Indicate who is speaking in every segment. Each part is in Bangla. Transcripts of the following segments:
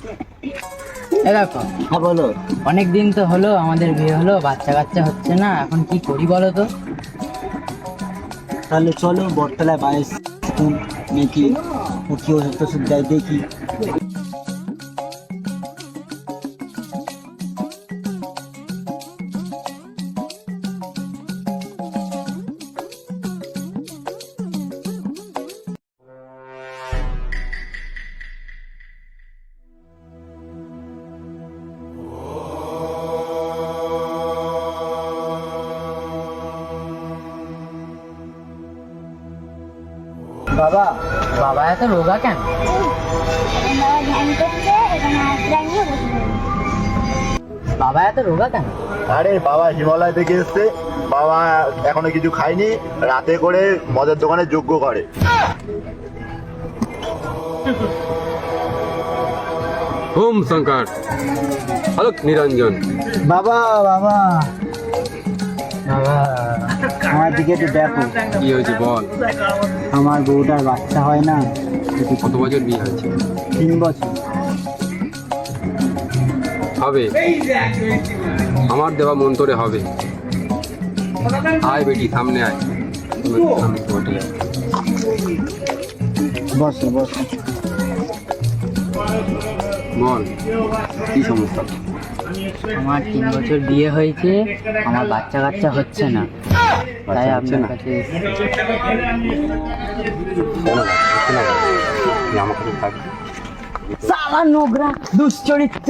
Speaker 1: এ দেখো,
Speaker 2: হ্যাঁ বলো।
Speaker 1: অনেক দিন তো হলো আমাদের বিয়ে হলো, বাচ্চা কাচ্চা হচ্ছে না, এখন কি করি বলো তো?
Speaker 2: তাহলে চলো বটতলায় বাইশ নাকি ও কি ওষুধ টষুধ দেয় দেখি। বাবা,
Speaker 1: বাবা এত রোগা কেন?
Speaker 3: বাবা ধ্যান করছে, এখানে হাতটা নিয়ে বসে পড়বে।
Speaker 1: বাবা এত রোগা কেন?
Speaker 4: আরে বাবা হিমালয় থেকে এসছে, বাবা এখনো কিছু খায়নি, রাতে করে মদের দোকানে যজ্ঞ করে।
Speaker 5: ওম শঙ্কর আলোক নিরঞ্জন।
Speaker 2: বাবা, বাবা, বাবা, আমার দিকে একটু দেখো।
Speaker 5: কি হয়েছে বল?
Speaker 2: আমার বউটার বাচ্চা হয় না,
Speaker 5: কত বছর বিয়ে হয়েছে?
Speaker 2: 3 বছর।
Speaker 5: হবে, আমার দেওয়া মন্তরে হবে। আয় বেটি সামনে আয়, আমি ঘটে যাবো।
Speaker 2: বসো বসো।
Speaker 5: বল কি সমস্যা?
Speaker 1: আমার 3 বছর বিয়ে হয়েছে, আমার বাচ্চা কাচ্চা হচ্ছে না, তাই
Speaker 5: হচ্ছে
Speaker 1: আপনার
Speaker 5: না?
Speaker 1: কাছে
Speaker 5: কেন হচ্ছে না? তুই আমার কাছে থাকবি।
Speaker 1: সালা নোংরা দুশ্চরিত্র,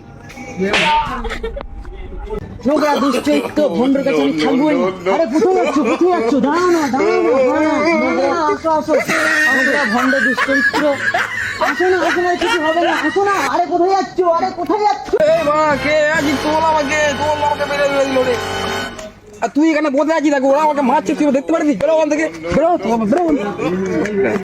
Speaker 1: নোংরা দুশ্চরিত্র ভন্ডর কাছে আমি থাকবো না। আরে কোথায় যাচ্ছ, কোথায় যাচ্ছ? দাঁড়াও না, দাঁড়াও না, আসো আসো, নোংরা ভন্ড দুশ্চরিত্র, আসো না, আসো না, কিছু হবে না, আসো না। আরে কোথায় যাচ্ছ, আরে কোথায় যাচ্ছ?
Speaker 6: তুই এখানে বসে আছিস, ওরা আমাকে মারছে, তুই দেখতে পারবি? বেরো ওখান থেকে, বেরো।